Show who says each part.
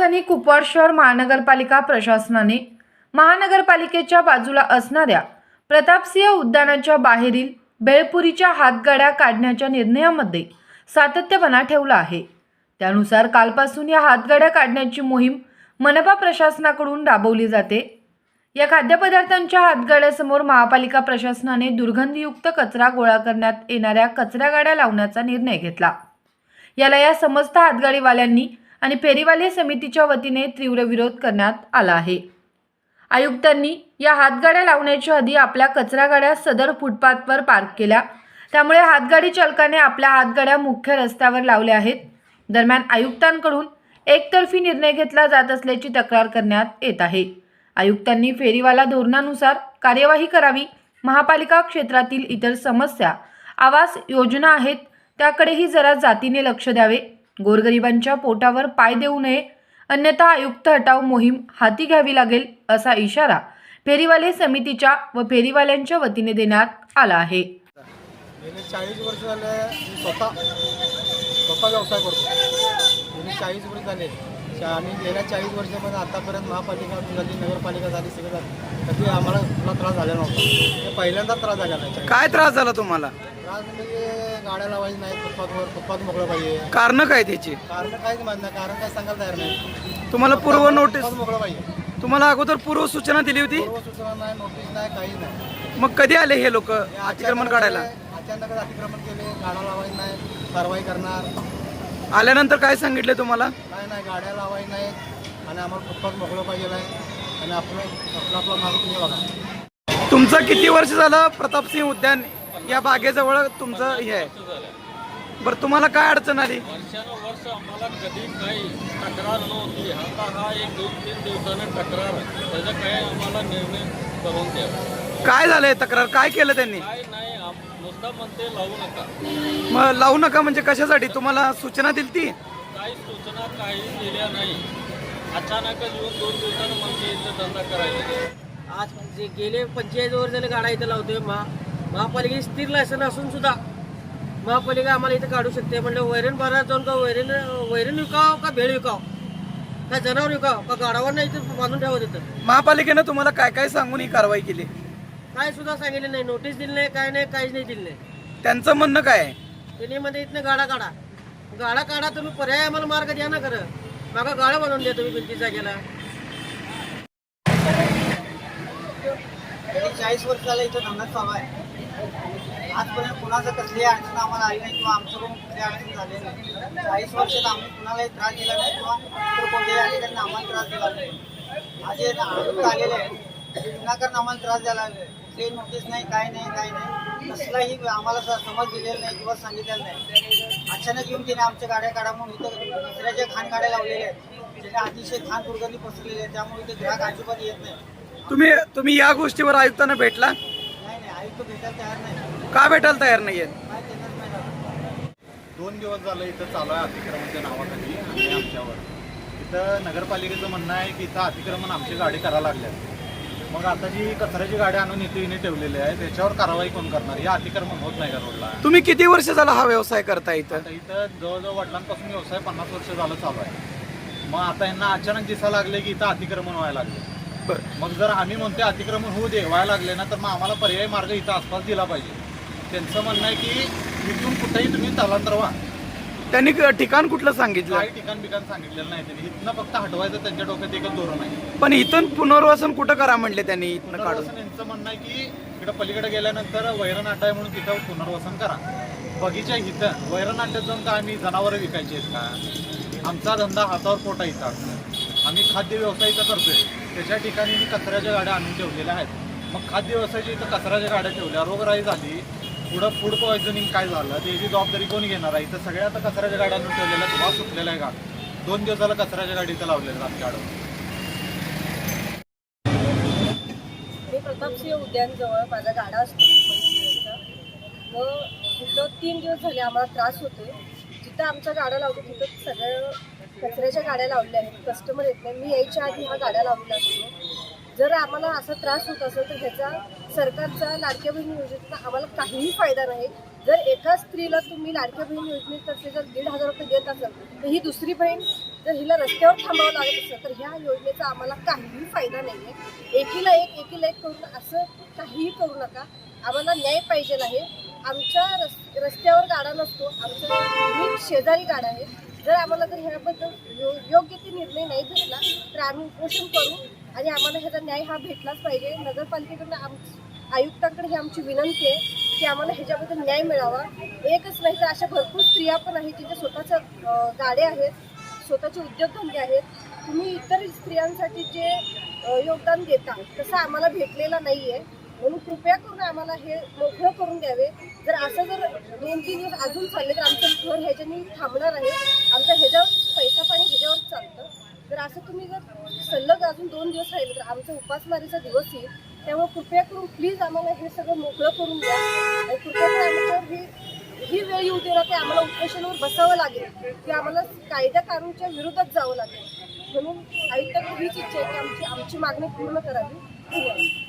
Speaker 1: राजधानी कुपवाड शहर महानगरपालिका प्रशासनाने महानगरपालिकेच्या बाजूला असणाऱ्या प्रतापसिंह उद्यानाच्या बाहेरील बेळपुरीच्या हातगाड्या काढण्याच्या निर्णयामध्ये सातत्यपणा ठेवला आहे। त्यानुसार कालपासून या हातगाड्या काढण्याची मोहीम मनपा प्रशासनाकडून राबवली जाते। या खाद्यपदार्थांच्या हातगाड्यासमोर महापालिका प्रशासनाने दुर्गंधीयुक्त कचरा गोळा करण्यात येणाऱ्या कचरा गाड्या लावण्याचा निर्णय घेतला। याला या समस्त हातगाडीवाल्यांनी आणि फेरीवाले समितीच्या वतीने तीव्र विरोध करण्यात आला आहे। आयुक्तांनी या हातगाड्या लावण्याच्या आधी आपल्या कचरा गाड्या सदर फुटपाथवर पार्क केल्या, त्यामुळे हातगाडी चालकाने आपल्या हातगाड्या मुख्य रस्त्यावर लावल्या आहेत। दरम्यान आयुक्तांकडून एकतर्फी निर्णय घेतला जात असल्याची तक्रार करण्यात येत आहे। आयुक्तांनी फेरीवाला धोरणानुसार कार्यवाही करावी, महापालिका क्षेत्रातील इतर समस्या आवास योजना आहेत त्याकडेही जरा जातीने लक्ष द्यावे, गोरगरिबांच्या पोटावर पाय देऊ नये, अन्यथा आयुक्त हटाव मोहीम हाती घ्यावी लागेल असा इशारा फेरीवाले समितीच्या व फेरीवाल्यांच्या वतीने देण्यात आला आहे।
Speaker 2: गेले 40 वर्ष झाले स्वतः व्यवसाय करतो। गेले 40 वर्ष झाले आणि गेल्या 40 वर्षामध्ये आतापर्यंत महापालिका झाली, नगरपालिका झाली, सगळं झालं, कधी आम्हाला कुठला त्रास झाला नव्हता। ते पहिल्यांदा त्रास झाला नाही।
Speaker 3: काय त्रास झाला तुम्हाला?
Speaker 2: त्रास म्हणजे गाड्या लावायची नाही, फुटपाथ मोकळं पाहिजे।
Speaker 3: कारण काय त्याची? कारण
Speaker 2: काहीच माहित नाही, कारण काय सांगायला तयार नाही।
Speaker 3: तुम्हाला पूर्व नोटीस
Speaker 2: मोकळं पाहिजे,
Speaker 3: तुम्हाला अगोदर पूर्व सूचना दिली होती?
Speaker 2: पूर्व सूचना नाही, नोटीस नाही, काही नाही।
Speaker 3: मग कधी आले हे लोक अतिक्रमण काढायला?
Speaker 2: अचानक अतिक्रमण केले, गाड्या लावायची नाही, कारवाई करणार।
Speaker 3: आल्यानंतर काय सांगितलं तुम्हाला?
Speaker 2: काय नाही, गाड्या लावायची नाही आणि आम्हाला फुटपाथ मोकळं पाहिजे आहे आणि आपला मागं तुम्ही बघा।
Speaker 3: तुमचं किती वर्ष झालं प्रतापसिंह उद्यान या बागेजवळ तुमचं हे आहे? बरं, तुम्हाला काय अडचण आली?
Speaker 4: वर्षानुवर्ष आम्हाला कधी काही तक्रार नव्हती। आता हा 1-2-3 दिवसाने तक्रार, त्याचा काय आम्हाला निर्णय करून द्यावा।
Speaker 3: काय झालंय तक्रार? काय केलं त्यांनी?
Speaker 4: काय नाही, नुसता म्हणते लावू नका।
Speaker 3: मग लावू नका म्हणजे कशासाठी? तुम्हाला सूचना दिली ती?
Speaker 4: काही सूचना काही दिल्या नाही, अचानकच येऊन 2 दिवसानं म्हणते इथं धंदा करायचा।
Speaker 5: आज जे गेले 45 वर्ष झाले गाड्या इथं लावतोय। महापालिकेची स्थिर लायसन असून सुद्धा महापालिका आम्हाला इथं काढू शकते। म्हणजे वैरण बाजारात जाऊन का वैरण विकाव का भेळ विकाव का जनावर विकाव का गाडावर इथं बांधून ठेवत इथं।
Speaker 3: महापालिकेनं तुम्हाला काय काय सांगून ही कारवाई केली?
Speaker 5: काय सुद्धा सांगितले नाही, नोटीस दिली नाही, काय नाही, काहीच नाही दिलं नाही।
Speaker 3: त्यांचं म्हणणं काय आहे?
Speaker 5: त्यांनी मध्ये इथनं गाडा काढा तुम्ही, पर्याय आम्हाला मार्ग द्या ना। खरं मागा गाड्या बनवून द्या तुम्ही भिंती जागेला।
Speaker 6: 40 वर्ष झालं इथं धंदा चालू आहे। आजपर्यंत कुणाचं कसली अडचण आम्हाला आली नाही किंवा आमच्याकडून कुठली अडचण झाली नाही। 40 वर्षात आम्ही कुणालाही त्रास दिला नाही किंवा इतर कोणत्याही अधिकाऱ्यांनी आम्हाला त्रास दिला नाही। आज हे आयुक्त आलेले आहेत, विनाकारण आम्हाला त्रास द्यायला लागले। ते नोटीस नाही, काय नाही, कसलाही आम्हाला समज दिलेला नाही किंवा सांगितलेलं नाही। अचानक येऊन तिने आमच्या गाड्या काढा म्हणून इथं दुसऱ्याच्या घाण गाड्या लावलेल्या आहेत, त्याने अतिशय घाण दुर्गंधी पसरलेली आहे, त्यामुळे इथे ग्राहक अजिबात येत नाही।
Speaker 3: तुम्ही या गोष्टीवर आयुक्तांना भेटला?
Speaker 6: नाही, आयुक्त भेटायला तयार नाही।
Speaker 3: का भेटायला तयार नाहीये?
Speaker 6: काय त्यांनाच माहिती।
Speaker 2: 2 दिवस झालं इथं चालू आहे अतिक्रमणाच्या नावाखाली आणि आमच्यावर इथं नगरपालिकेचं म्हणणं आहे की इथं अतिक्रमण आमची गाडी करायला लागल्या। मग आता जी कचऱ्याची गाडी आणून इथे ठेवलेली आहे त्याच्यावर कारवाई कोण करणार? या अतिक्रमण होत नाही का रोडला?
Speaker 3: तुम्ही किती वर्ष झाला हा व्यवसाय करता इथं?
Speaker 2: आता इथं जवळजवळ वडिलांपासून व्यवसाय 50 वर्ष झालं चालू आहे। मग आता यांना अचानक दिसायला लागले की इथं अतिक्रमण व्हायला लागले। मग जर आम्ही म्हणतो अतिक्रमण होऊ दे, व्हायला लागले ना, तर मग आम्हाला पर्यायी मार्ग इथं आसपास दिला पाहिजे। त्यांचं म्हणणं आहे की इथून कुठेही तुम्ही स्थलांतर व्हा।
Speaker 3: त्यांनी ठिकाण कुठलं सांगितलं?
Speaker 2: काही ठिकाण सांगितलेलं नाही त्यांनी। इथनं फक्त हटवायचं त्यांच्या डोक्यात एकच धोरण आहे।
Speaker 3: पण इथून पुनर्वसन कुठं करा म्हणले त्यांनी? इथनं काढून
Speaker 2: यांचं म्हणणं आहे की इकडे पलीकडे गेल्यानंतर वैरण अड्डा आहे म्हणून तिथं पुनर्वसन करा। बगीच्या इथं वैरण अड्ड्यात जाऊन का आम्ही जनावरं विकायची आहेत का? आमचा धंदा हातावर पोटा इथं, आम्ही खाद्य व्यवसाय इथं करतोय। त्याच्या ठिकाणी मी कचऱ्याच्या गाड्या आणून ठेवलेल्या आहेत। मग खाद्य व्यवसायाची इथं कचऱ्याच्या गाड्या ठेवल्या, रोगराई झाली, पुढं फूड पॉयझनिंग काय झालं त्याची जबाबदारी कोण घेणार आहे? इथं सगळ्या आता कचऱ्याच्या गाड्या आणून ठेवलेल्या, धुवा सुटलेला आहे का? 2 दिवस झालं कचऱ्याच्या गाडी इथं लावलेल्या आमच्या गाडीवर।
Speaker 7: मी प्रतापसिंह उद्यानजवळ माझा गाडा असतो व तिथं 3 दिवस झाले आम्हाला त्रास होतोय। जिथं आमच्या गाड्या लावतो तिथं सगळ्या कचऱ्याच्या गाड्या लावलेल्या आहेत, कस्टमर येत नाही। मी यायच्या आधी हा गाड्या लावलेला असतो। जर आम्हाला असा त्रास होत असेल तर ह्याचा सरकारचा लाडक्या बहीण योजनेचा आम्हाला काहीही फायदा नाही। जर एका स्त्रीला तुम्ही लाडक्या बहीण योजनेतर्फे जर 1,500 रुपये देत असाल तर ही दुसरी बहीण जर हिला रस्त्यावर थांबावं लागत असेल तर ह्या योजनेचा आम्हाला काहीही फायदा नाही आहे. एकीला एक करून असं काहीही करू नका. आम्हाला न्याय पाहिजे आहे. आमच्या रस्त्यावर गाडा नसतो, आमच्या शेजारी गाडा आहे. जर आम्हाला जर ह्याबद्दल योग्य ते निर्णय नाही भेटला तर आम्ही उपोषण करू आणि आम्हाला ह्याचा न्याय हा भेटलाच पाहिजे. नगरपालिकेकडून आयुक्तांकडे ही आमची विनंती आहे की आम्हाला ह्याच्याबद्दल न्याय मिळावा. एकच नाही तर अशा भरपूर स्त्रिया पण आहेत ज्यांच्या स्वतःच्या गाड्या आहेत, स्वतःचे उद्योगधंदे आहेत. तुम्ही इतर स्त्रियांसाठी जे योगदान देता तसं आम्हाला भेटलेलं नाही आहे. म्हणून कृपया करून आम्हाला हे मोकळं करून द्यावे. जर असं जर 2-3 दिवस अजून चालले तर आमचं घर ह्याच्यानी थांबणार आहे. आमचं ह्याच्यावर पैसा पाणी ह्याच्यावर चालतं. जर असं तुम्ही जर सलग अजून 2 दिवस राहिले तर आमचा उपासमारीचा दिवस येईल. त्यामुळे कृपया करून प्लीज आम्हाला हे सगळं मोकळं करून द्या. आणि कृपया करून आमच्यावर ही वेळ येऊ दे ना की आम्हाला उपोषणावर बसावं लागेल की आम्हाला कायदा कानूनच्या विरोधात जावं लागेल. म्हणून आयुक्ताकडे हीच इच्छा आहे की आमची मागणी पूर्ण करावी. धन्यवाद.